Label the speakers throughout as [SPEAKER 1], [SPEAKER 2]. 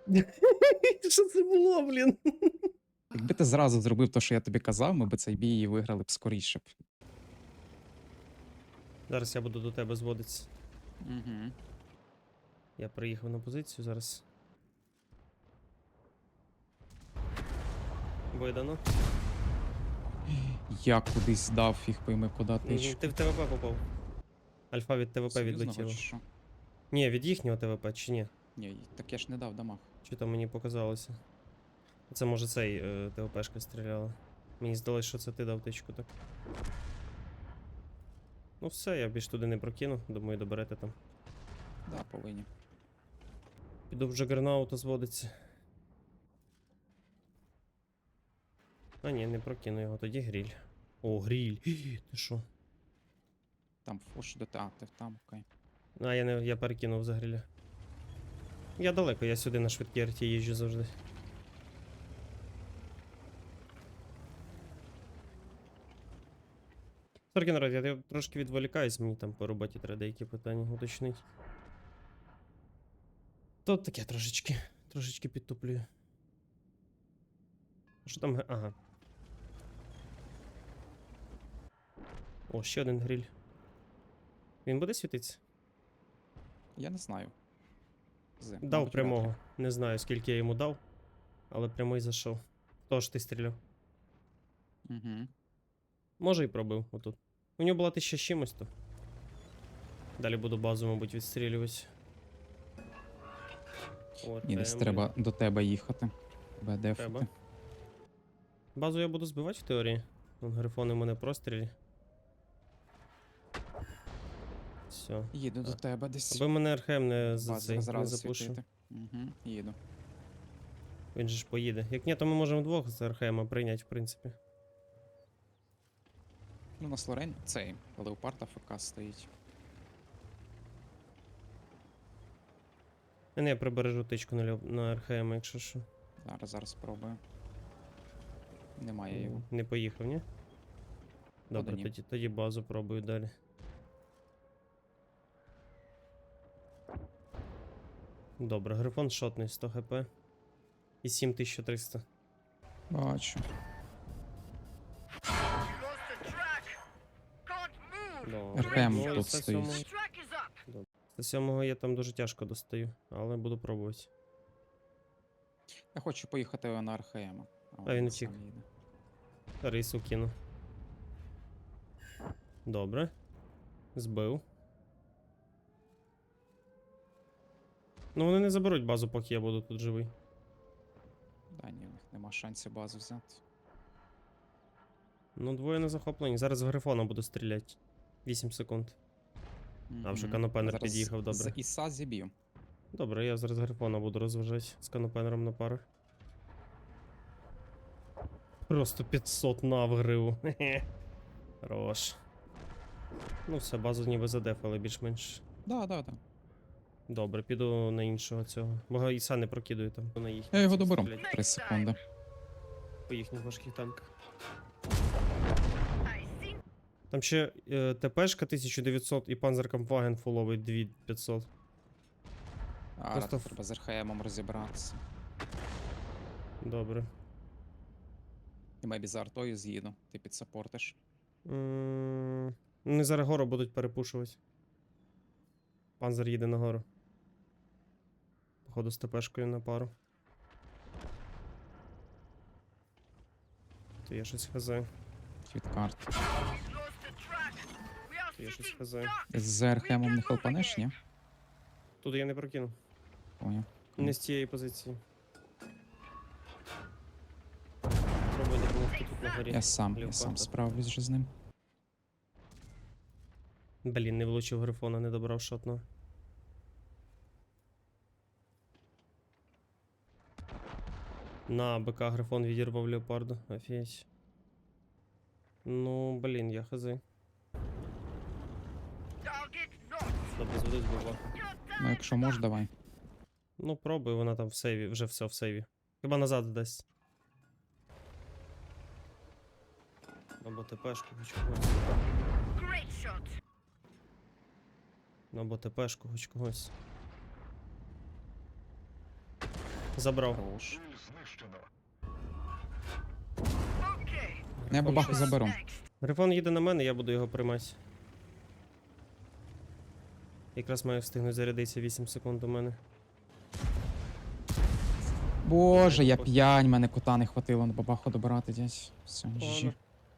[SPEAKER 1] Що це було, блін?
[SPEAKER 2] Якби ти зразу зробив те, що я тобі казав, ми б цей бій і виграли б скоріше б.
[SPEAKER 1] Зараз я буду до тебе зводитися.
[SPEAKER 2] Угу.
[SPEAKER 1] Я приїхав на позицію зараз. Видано.
[SPEAKER 2] Я кудись дав, фіг пойми, куди ти.
[SPEAKER 1] Ти в ТВП попав. Альфа від ТВП
[SPEAKER 2] Союзного
[SPEAKER 1] відлетіла.
[SPEAKER 2] чи що?
[SPEAKER 1] Ні, від їхнього ТВП, чи ні?
[SPEAKER 2] Ні, так я ж не дав дамаг.
[SPEAKER 1] Чи там мені показалося? Це може цей ТВПшка стріляла. Мені здалось, що це ти дав тичку, так. Ну все, я більш туди не прокину, думаю, доберете там.
[SPEAKER 2] Да, повинні.
[SPEAKER 1] Піду в Джагернаута зводиться. А ні, не прокину його, тоді гріль. О, гріль. Ти що?
[SPEAKER 2] Там фош до та, ти там, окей.
[SPEAKER 1] А, я перекинув за гриля. Я далеко, я сюди на швидкій арті їжджу завжди. Сорки, народ, я трошки відволікаюсь, мені там по роботі треба деякі питання уточнити. Тут таке трошечки підтуплюю. Що там? Ага. О, ще один гриль. Він буде світитися?
[SPEAKER 2] Я не знаю.
[SPEAKER 1] Дав
[SPEAKER 2] Мабуть,
[SPEAKER 1] прямого.
[SPEAKER 2] вряд
[SPEAKER 1] Не знаю, скільки я йому дав, але прямий зайшов. Тож ти стріляв.
[SPEAKER 2] ли. Угу.
[SPEAKER 1] Може і пробив отут. У нього була 1000 з чимось то. Далі буду базу, мабуть, відстрілювати. О,
[SPEAKER 2] Ні, десь
[SPEAKER 1] блін.
[SPEAKER 2] треба до тебе їхати. Тебе
[SPEAKER 1] Треба.
[SPEAKER 2] дефати.
[SPEAKER 1] Базу я буду збивати в теорії. Вон грифони в мене прострілі. Все.
[SPEAKER 2] Їду до тебе десь.
[SPEAKER 1] Аби мене РХМ не, за
[SPEAKER 2] База
[SPEAKER 1] цей, не
[SPEAKER 2] зразу
[SPEAKER 1] запушив.
[SPEAKER 2] світити. Угу, їду.
[SPEAKER 1] Він же ж поїде. Як ні, то ми можемо двох з РХМ прийняти, в принципі.
[SPEAKER 2] Ну, на Слорен цей Леопард АФК стоїть.
[SPEAKER 1] Не, я прибережу тичку на РХМ, якщо що.
[SPEAKER 2] Зараз спробую. Немає його.
[SPEAKER 1] Не поїхав, ні? Добре,
[SPEAKER 2] ні.
[SPEAKER 1] тоді базу пробую далі. Добре, грифон шотний 100 хп. І 7300.
[SPEAKER 2] Бачу. РХМ
[SPEAKER 1] Ну, і
[SPEAKER 2] тут
[SPEAKER 1] 107-го
[SPEAKER 2] стоїть.
[SPEAKER 1] 107-го я там дуже тяжко достаю, але буду пробувати.
[SPEAKER 2] Я хочу поїхати на РХМ.
[SPEAKER 1] А він втік. Рису кину. Добре. Збив. Ну вони не заберуть базу, поки я буду тут живий.
[SPEAKER 2] Да, ні, у них нема шансів базу взяти.
[SPEAKER 1] Ну, двоє на захопленні. Зараз з грифона буду стріляти. 8 секунд. А вже канопенер
[SPEAKER 2] Зараз
[SPEAKER 1] під'їхав, добре.
[SPEAKER 2] З Іса зіб'ю.
[SPEAKER 1] Добре, я зараз грифона буду розважати з канопенером на пару. Просто 500 нав гриву. Хе-хе. Хорош. Ну все, базу ніби задефали більш-менш.
[SPEAKER 2] Да.
[SPEAKER 1] Добре, піду на іншого цього. Бо Іса не прокидаю там. На їхніх
[SPEAKER 2] Я його
[SPEAKER 1] цих
[SPEAKER 2] доберу.
[SPEAKER 1] стрілять.
[SPEAKER 2] 3 секунди.
[SPEAKER 1] По їхніх важких танках. Там ще ТПшка 1900 і Панзеркампфаген фуловий 2500. Просто
[SPEAKER 2] Треба з РХМом розібратися.
[SPEAKER 1] Добре.
[SPEAKER 2] І мебі за артою з'їду. Ти підсапортиш.
[SPEAKER 1] Вони зараз гору будуть перепушувати. Панзер їде на гору. Походу з ТПшкою на пару. То я щось хазаю.
[SPEAKER 2] Від карт.
[SPEAKER 1] То я щось хазаю.
[SPEAKER 2] З РХМом не хелпанеш, ні?
[SPEAKER 1] Тут я не прокину.
[SPEAKER 2] Поняв.
[SPEAKER 1] Не з цієї позиції. Пробуй допомогти тут на горі.
[SPEAKER 2] Я сам
[SPEAKER 1] Леопарда.
[SPEAKER 2] справлюсь вже з ним.
[SPEAKER 1] Блін, не влучив грифона, не добрав шотного. На БК грифон відірвав леопарду. Офігеть. Ну, блін, я хази. Добре, зводить баба.
[SPEAKER 2] Ну, якщо можеш, давай.
[SPEAKER 1] Ну, пробуй, вона там в сейві, вже все в сейві. Хіба назад дасть. Або ТПшку хоч когось. Або ТПшку хоч когось. Забрав.
[SPEAKER 2] Хорош. Я бабаху заберу.
[SPEAKER 1] Грифон їде на мене, я буду його приймати. Якраз маю встигнути зарядитися 8 секунд у мене.
[SPEAKER 2] Боже, я п'янь, мене кота не хватило на бабаху добирати, дядь. Все,
[SPEAKER 1] Ладно.
[SPEAKER 2] жі.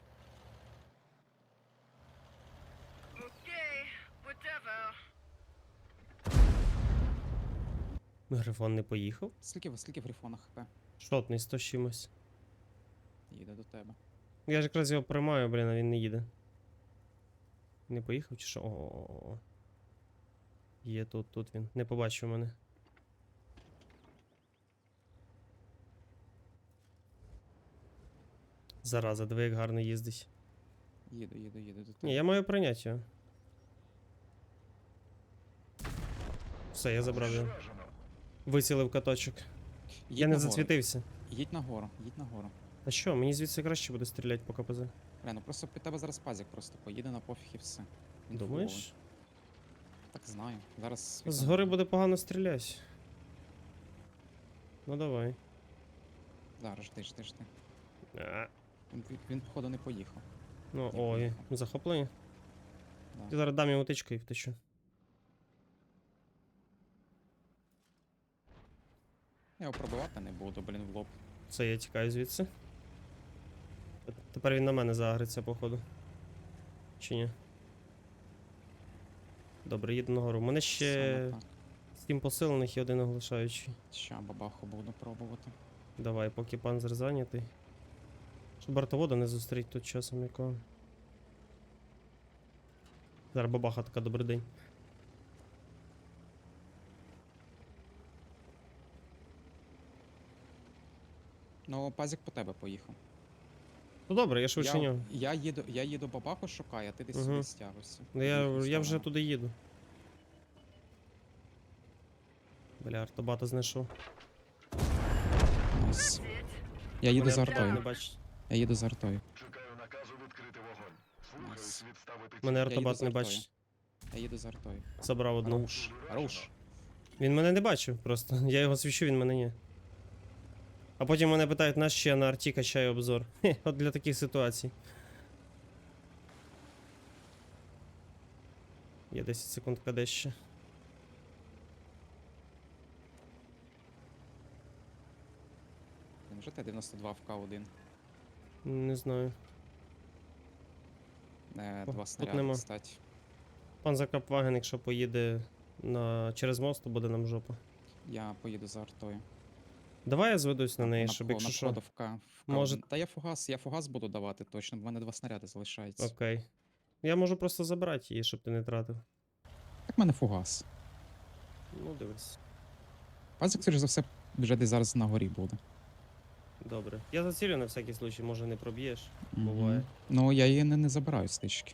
[SPEAKER 1] Грифон не поїхав?
[SPEAKER 2] Скільки в грифона хп?
[SPEAKER 1] Шотний 100 з чимось.
[SPEAKER 2] Їде до тебе.
[SPEAKER 1] Я ж якраз його приймаю, блін, а він не їде. Не поїхав чи що? О. Є тут він. Не побачив мене. Зараза, диви, як гарно їздить.
[SPEAKER 2] Їду до тебе.
[SPEAKER 1] Ні, я маю прийняти його. Все, я забрав його. Вицілив каточок.
[SPEAKER 2] Їдь
[SPEAKER 1] Я не
[SPEAKER 2] нагору.
[SPEAKER 1] зацвітився.
[SPEAKER 2] Їдь нагору, їдь нагору.
[SPEAKER 1] А що, мені звідси краще буде стріляти по КПЗ.
[SPEAKER 2] Бля, ну просто під тебе зараз пазик просто поїде на пофіг і все. Він
[SPEAKER 1] Думаєш?
[SPEAKER 2] фуловий. Так знаю. Зараз.
[SPEAKER 1] Згори буде погано стріляти. Ну давай.
[SPEAKER 2] Зараз жди.
[SPEAKER 1] А,
[SPEAKER 2] Він походу не поїхав.
[SPEAKER 1] Ну,
[SPEAKER 2] Не
[SPEAKER 1] ой,
[SPEAKER 2] поїхав.
[SPEAKER 1] захоплення.
[SPEAKER 2] Да.
[SPEAKER 1] Я зараз дам йому тичку і втечу.
[SPEAKER 2] Я його пробивати не буду, блін, в лоб.
[SPEAKER 1] Все, я тікаю звідси. Тепер він на мене загриться, походу. Чи ні? Добре, їду нагору. У мене ще
[SPEAKER 2] Саме так.
[SPEAKER 1] 7 посилених і один оглушаючий.
[SPEAKER 2] Ща бабаху буду пробувати.
[SPEAKER 1] Давай, поки панзер зайнятий. Щоб бортовода не зустріть тут часом якого. Зараз бабаха така, добрий день.
[SPEAKER 2] Ну, пазик по тебе поїхав.
[SPEAKER 1] Ну добре, я швидше
[SPEAKER 2] Я,
[SPEAKER 1] нього.
[SPEAKER 2] я їду бабаху шукаю, а ти десь
[SPEAKER 1] Мгм.
[SPEAKER 2] сюди стягуйся.
[SPEAKER 1] Ну,
[SPEAKER 2] В їхню
[SPEAKER 1] я вже
[SPEAKER 2] сторону.
[SPEAKER 1] туди їду. Бля, артобата знайшов.
[SPEAKER 2] Найс. Я їду
[SPEAKER 1] Мене
[SPEAKER 2] за
[SPEAKER 1] артобат не
[SPEAKER 2] артою.
[SPEAKER 1] бачить.
[SPEAKER 2] Я їду за артою.
[SPEAKER 3] Чекаю наказу відкрити вогонь. Слухаюсь відставити
[SPEAKER 1] Мене
[SPEAKER 2] Я їду
[SPEAKER 1] артобат
[SPEAKER 2] за
[SPEAKER 1] не
[SPEAKER 2] артою.
[SPEAKER 1] бачить.
[SPEAKER 2] Я їду за артою.
[SPEAKER 1] Забрав одну.
[SPEAKER 2] Руш.
[SPEAKER 1] Він мене не бачив просто. Я його свічу, він мене ні. А потім мене питають, нащо я на арті качаю обзор. Хе, от для таких ситуацій. Є 10 секунд КД ще.
[SPEAKER 2] Вже Т-92 в К1.
[SPEAKER 1] Не знаю. О,
[SPEAKER 2] Два
[SPEAKER 1] тут
[SPEAKER 2] снаряди,
[SPEAKER 1] нема.
[SPEAKER 2] кстати.
[SPEAKER 1] Пан Закапваген, якщо поїде через мост, то буде нам жопа.
[SPEAKER 2] Я поїду за артою.
[SPEAKER 1] Давай я зведусь на неї,
[SPEAKER 2] На
[SPEAKER 1] щоб
[SPEAKER 2] вход-
[SPEAKER 1] якщо
[SPEAKER 2] на
[SPEAKER 1] що.
[SPEAKER 2] входу в К.
[SPEAKER 1] Може-
[SPEAKER 2] Та я фугас буду давати точно, бо в мене 2 снаряди залишається.
[SPEAKER 1] Окей. Я можу просто забрати її, щоб ти не тратив.
[SPEAKER 2] Так в мене фугас.
[SPEAKER 1] Ну, дивись.
[SPEAKER 2] Пазик, скоріш за все, вже десь зараз на горі буде.
[SPEAKER 1] Добре. Я зацілю на всякий случай, може не проб'єш.
[SPEAKER 2] Мгм.
[SPEAKER 1] Буває.
[SPEAKER 2] Ну, я її не забираю з тички.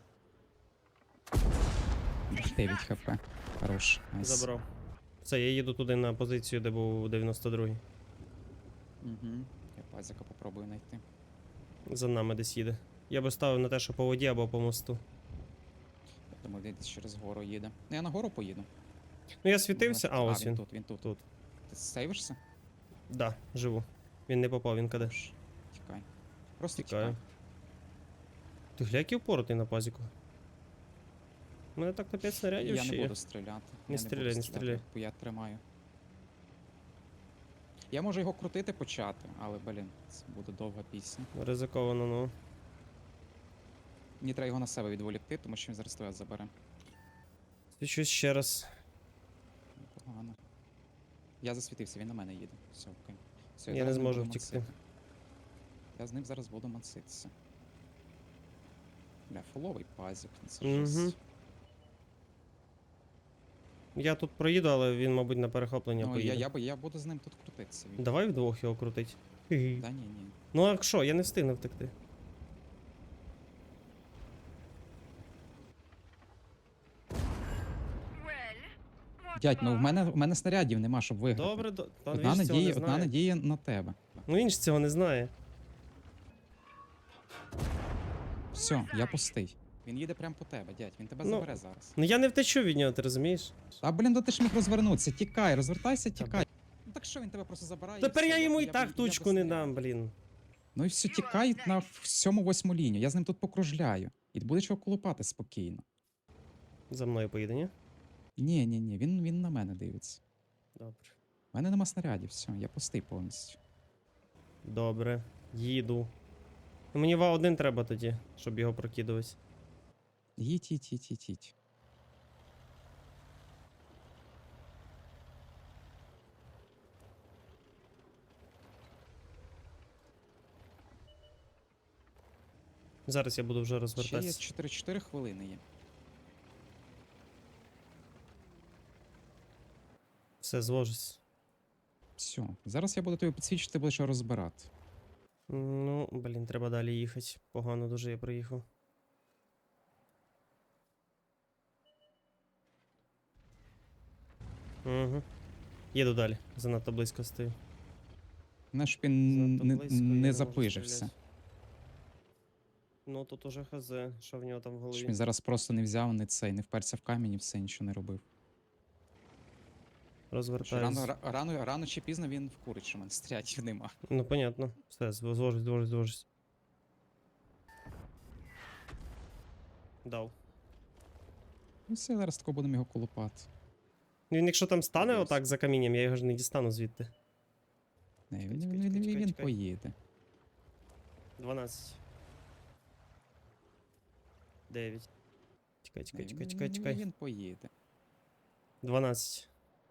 [SPEAKER 2] 9 хп. Хорош. Найс.
[SPEAKER 1] Забрав. Все, я їду туди на позицію, де був 92-й.
[SPEAKER 2] Угу. Я пазика попробую знайти.
[SPEAKER 1] За нами десь їде. Я би ставив на те, що по воді або по мосту.
[SPEAKER 2] Я думаю, він десь через гору їде. Ну, я на гору поїду.
[SPEAKER 1] Ну я світився, а ось
[SPEAKER 2] він
[SPEAKER 1] він.
[SPEAKER 2] тут, він тут.
[SPEAKER 1] Тут.
[SPEAKER 2] Ти сейвишся?
[SPEAKER 1] Да, живу. Він не попав, він каде.
[SPEAKER 2] Хорош. Тікай. Просто
[SPEAKER 1] Тікаю.
[SPEAKER 2] тікай.
[SPEAKER 1] Ти гля, який упоротий на пазіку. У мене так на 5 снарядів
[SPEAKER 2] Я
[SPEAKER 1] ще
[SPEAKER 2] не
[SPEAKER 1] є.
[SPEAKER 2] буду стріляти. Я
[SPEAKER 1] стріляй,
[SPEAKER 2] буду
[SPEAKER 1] не
[SPEAKER 2] стріляти,
[SPEAKER 1] стріляй.
[SPEAKER 2] бо я тримаю. Я можу його крутити почати, але, блін, це буде довга пісня.
[SPEAKER 1] Ризиковано, ну.
[SPEAKER 2] Мені треба його на себе відволікти, тому що він зараз тебе забере.
[SPEAKER 1] Свічусь ще раз.
[SPEAKER 2] Погано. Я засвітився, він на мене їде. Все, окей. Все,
[SPEAKER 1] Я
[SPEAKER 2] зараз
[SPEAKER 1] не
[SPEAKER 2] з ним
[SPEAKER 1] зможу
[SPEAKER 2] буду
[SPEAKER 1] втікти.
[SPEAKER 2] мансити. Я з ним зараз буду манситися. Бля, фуловий пазик, ну це
[SPEAKER 1] Мгм.
[SPEAKER 2] жесть.
[SPEAKER 1] Я тут проїду, але він, мабуть, на перехоплення
[SPEAKER 2] Ну,
[SPEAKER 1] поїде.
[SPEAKER 2] я буду з ним тут крутитися.
[SPEAKER 1] Давай вдвох його крутить.
[SPEAKER 2] Та ні.
[SPEAKER 1] Ну а що, я не встигну втекти.
[SPEAKER 2] Дядь, ну в мене снарядів нема, щоб виграти.
[SPEAKER 1] Добре, та
[SPEAKER 2] Одна
[SPEAKER 1] він ж цього не
[SPEAKER 2] надія, одна
[SPEAKER 1] знає.
[SPEAKER 2] надія на тебе.
[SPEAKER 1] Ну він ж цього не знає.
[SPEAKER 2] Все, я пустий. Він їде прямо по тебе, дядь, він тебе
[SPEAKER 1] Ну,
[SPEAKER 2] забере зараз.
[SPEAKER 1] Ну я не втечу від нього, ти розумієш?
[SPEAKER 2] А блін, ну ти ж міг розвернутися. Тікай, розвертайся,
[SPEAKER 1] Та
[SPEAKER 2] тікай. так що, він тебе просто забирає.
[SPEAKER 1] Тепер
[SPEAKER 2] все,
[SPEAKER 1] я йому і
[SPEAKER 2] б-
[SPEAKER 1] так
[SPEAKER 2] я
[SPEAKER 1] тучку
[SPEAKER 2] без
[SPEAKER 1] не
[SPEAKER 2] снарядів.
[SPEAKER 1] дам, блін.
[SPEAKER 2] Ну і все, тікай на 7-8 лінію. Я з ним тут покружляю. І буде чого колупати спокійно.
[SPEAKER 1] За мною поїде, ні?
[SPEAKER 2] Ні, він на мене дивиться.
[SPEAKER 1] Добре.
[SPEAKER 2] У мене нема снарядів, все, я пустий повністю.
[SPEAKER 1] Добре. Їду. Ну, мені ва-1 треба тоді, щоб його прокидувати.
[SPEAKER 2] Їдь.
[SPEAKER 1] Зараз я буду вже
[SPEAKER 2] Ще є
[SPEAKER 1] розвертатися.
[SPEAKER 2] 4 хвилини є.
[SPEAKER 1] Все, звожусь.
[SPEAKER 2] Все, зараз я буду тобі підсвічити, ти будеш його розбирати.
[SPEAKER 1] Ну, блін, треба далі їхати. Погано дуже я приїхав. Угу. Їду далі. Занадто близько стою.
[SPEAKER 2] Знаєш, щоб він
[SPEAKER 1] Занадто близько, я
[SPEAKER 2] не
[SPEAKER 1] можу
[SPEAKER 2] запижився.
[SPEAKER 1] стріляти. Ну, тут уже хз, що в нього там в
[SPEAKER 2] Щоб
[SPEAKER 1] голові.
[SPEAKER 2] він зараз просто не взяв, не вперся в камінь і все, нічого не робив.
[SPEAKER 1] Розвертаюсь.
[SPEAKER 2] Рано чи пізно він вкурить, що в мене стрілятів нема.
[SPEAKER 1] Ну, понятно. Все, звожусь. Дав.
[SPEAKER 2] Ну все, зараз тако будемо його колупати.
[SPEAKER 1] Він якщо там стане
[SPEAKER 2] Десь.
[SPEAKER 1] отак за камінням, я його ж не дістану звідти.
[SPEAKER 2] Не,
[SPEAKER 1] Чекай,
[SPEAKER 2] він
[SPEAKER 1] чекай.
[SPEAKER 2] поїде.
[SPEAKER 1] 12. 9.
[SPEAKER 2] Не,
[SPEAKER 1] Чекай.
[SPEAKER 2] Він поїде.
[SPEAKER 1] 12.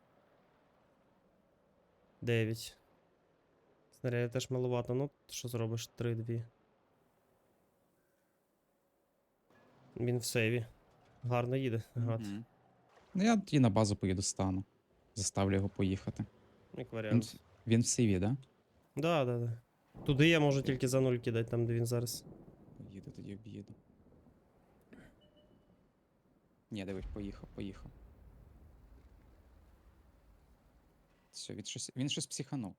[SPEAKER 1] 9. Снарядів теж малувато. Ну, що зробиш? 3, 2. Він в сейві. Гарно їде, гад.
[SPEAKER 2] Мгм. Ну я тоді на базу поїду стану. Заставлю його поїхати.
[SPEAKER 1] Як варіант.
[SPEAKER 2] Він в CV, да?
[SPEAKER 1] Да. Туди я можу тільки за 0 кидати, там де він зараз.
[SPEAKER 2] Поїду, тоді об'їду. Ні, дивись, поїхав. Все, він щось психанув.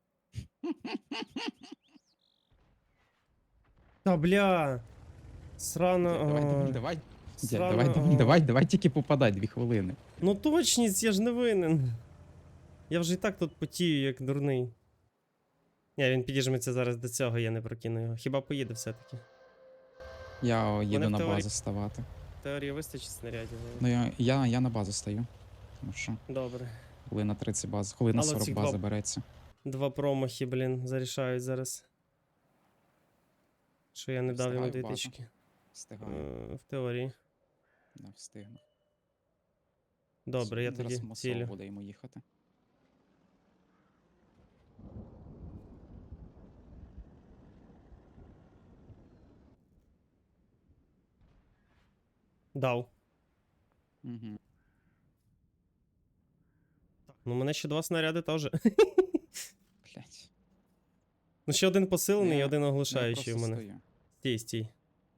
[SPEAKER 1] Та бля! Срано.
[SPEAKER 2] Давай.
[SPEAKER 1] Срано.
[SPEAKER 2] Давай тільки попадай 2 хвилини.
[SPEAKER 1] Ну точність, я ж не винен. Я вже і так тут потію, як дурний. Ні, він підіжметься зараз до цього, я не прокину його. Хіба поїде все-таки?
[SPEAKER 2] Я їду
[SPEAKER 1] в
[SPEAKER 2] на
[SPEAKER 1] теорії-
[SPEAKER 2] базу ставати.
[SPEAKER 1] В теорії вистачить снарядів. але-
[SPEAKER 2] Ну я на базу стою. Тому що
[SPEAKER 1] Добре.
[SPEAKER 2] хвилина 30 база, хвилина
[SPEAKER 1] Але
[SPEAKER 2] 40
[SPEAKER 1] ці
[SPEAKER 2] база
[SPEAKER 1] два-
[SPEAKER 2] береться.
[SPEAKER 1] 2 промахи, блін, зарішають зараз. Що я не дав йому
[SPEAKER 2] Встигаю
[SPEAKER 1] 2
[SPEAKER 2] в базу.
[SPEAKER 1] тички.
[SPEAKER 2] Встигаю.
[SPEAKER 1] В теорії.
[SPEAKER 2] Не встигну.
[SPEAKER 1] Добре, я
[SPEAKER 2] Зараз
[SPEAKER 1] тоді
[SPEAKER 2] масово
[SPEAKER 1] цілю.
[SPEAKER 2] буде йому їхати.
[SPEAKER 1] Дав.
[SPEAKER 2] Угу.
[SPEAKER 1] Ну, у мене ще 2 снаряди теж.
[SPEAKER 2] Блять.
[SPEAKER 1] Ну, ще один посилений і
[SPEAKER 2] Я-
[SPEAKER 1] один
[SPEAKER 2] Я
[SPEAKER 1] оглушаючий у
[SPEAKER 2] просто
[SPEAKER 1] мене.
[SPEAKER 2] стою.
[SPEAKER 1] Стій.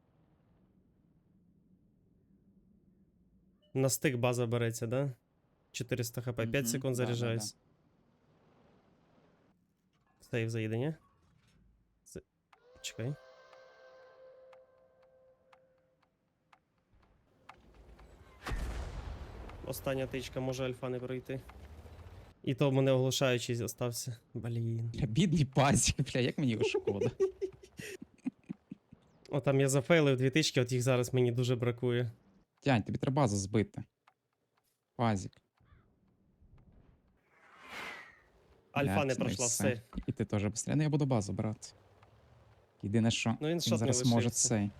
[SPEAKER 1] На стик база береться, да? 400 хп, 5
[SPEAKER 2] Мгм,
[SPEAKER 1] секунд
[SPEAKER 2] да.
[SPEAKER 1] заряджаюсь. Сейв заїде, ні? Чекай. Остання тичка, може альфа не пройти. І то в мене оглушаючий залишився. Блін.
[SPEAKER 2] Бля, бідний пазик, бля, як мені його шкода.
[SPEAKER 1] О, там я зафейлив 2 тички, от їх зараз мені дуже бракує.
[SPEAKER 2] Тянь, тобі треба базу збити. Пазик.
[SPEAKER 1] Альфа
[SPEAKER 2] Блядь,
[SPEAKER 1] не
[SPEAKER 2] ну і
[SPEAKER 1] пройшла, все.
[SPEAKER 2] І ти теж быстрее. Ну я буду базу брати. Єдине, що
[SPEAKER 1] Ну він
[SPEAKER 2] він
[SPEAKER 1] шот не
[SPEAKER 2] зараз може
[SPEAKER 1] лишився.
[SPEAKER 2] цей.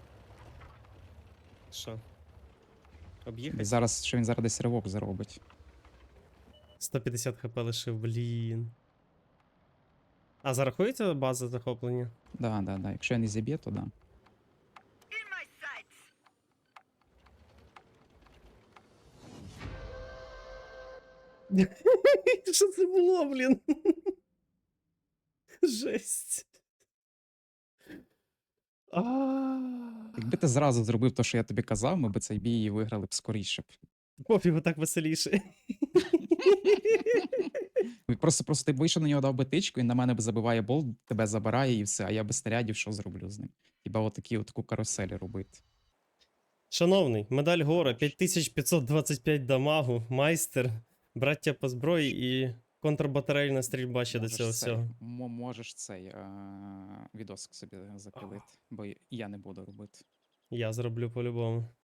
[SPEAKER 1] Що? Об'їхати?
[SPEAKER 2] Що він зараз десь ривок заробить.
[SPEAKER 1] 150 хп лишив, блін. А зарахується база захоплення?
[SPEAKER 2] Да. Якщо я не зіб'є, то да.
[SPEAKER 1] Що це було, блін? Жесть. А.
[SPEAKER 2] Якби ти зразу зробив те, що я тобі казав, ми б цей бій і виграли б скоріше б.
[SPEAKER 1] Пофігу, так веселіше.
[SPEAKER 2] Просто ти вийшов на нього, дав би тичку, він на мене забиває болт, тебе забирає і все, а я без снарядів що зроблю з ним? Хіба отаку каруселі робити?
[SPEAKER 1] Шановний, медаль Гора, 5525 дамагу, майстер, браття по зброї і Контрбатарейна стрільба ще до
[SPEAKER 2] Можеш
[SPEAKER 1] цього
[SPEAKER 2] цей,
[SPEAKER 1] всього.
[SPEAKER 2] можеш цей відосик собі запілити, бо я не буду робити.
[SPEAKER 1] Я зроблю по-любому.